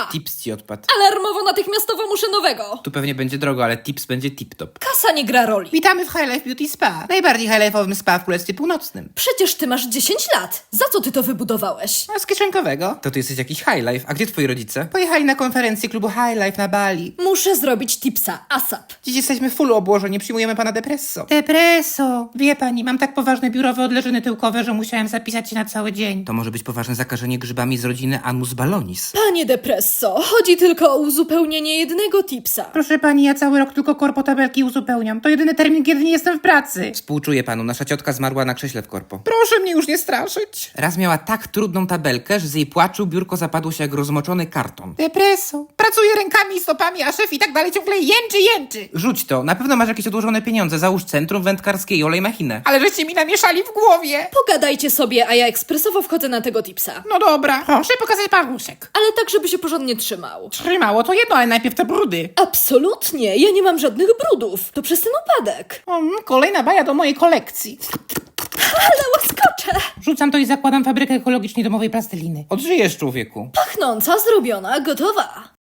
Tips ci odpadł. Alarmowo natychmiastowo muszę nowego. Tu pewnie będzie drogo, ale tips będzie tip-top. Kasa nie gra roli. Witamy w High Life Beauty Spa. Najbardziej high-life'owym spa w Królestwie Północnym. Przecież ty masz 10 lat. Za co ty to wybudowałeś? A z kieszonkowego? To ty jesteś jakiś High Life. A gdzie twoi rodzice? Pojechali na konferencję klubu High Life na Bali. Muszę zrobić tipsa ASAP. Dziś jesteśmy full obłożeni, przyjmujemy pana Depresso. Depresso! Wie pani, mam tak poważne biurowe odleżyny tyłkowe, że musiałem zapisać się na cały dzień. To może być poważne zakażenie grzybami z rodziny Anus ballonis. Panie Depresso, chodzi tylko o uzupełnienie jednego tipsa. Proszę pani, ja cały rok tylko korpotabelki uzupełniam. To jedyny termin, kiedy nie jestem w pracy. Współczuję panu, nasza ciotka zmarła na krześle w korpo. Proszę mnie już nie straszyć. Raz miała tak trudną tabelkę, że z jej płaczu biurko zapadło się jak rozmoczony karton. Depresso. Pracuję rękami i stopami, a szef i tak dalej ciągle jęczy. Rzuć to, na pewno masz jakieś odłożone pieniądze. Załóż centrum wędkarskie i olej machinę. Ale żeście mi namieszali w głowie. Pogadajcie sobie, a ja ekspresowo wchodzę na tego tipsa. No dobra, proszę pokazać paluszek. Ale tak, żeby się porządnie trzymał. Trzymało to jedno, ale najpierw te brudy. Absolutnie, ja nie mam żadnych brudów. To przez ten upadek. Kolejna baja do mojej kolekcji. Ale łaskocze! Rzucam to i zakładam fabrykę ekologicznej domowej plasteliny. Odżyjesz, człowieku. Pachnąca, zrobiona, gotowa.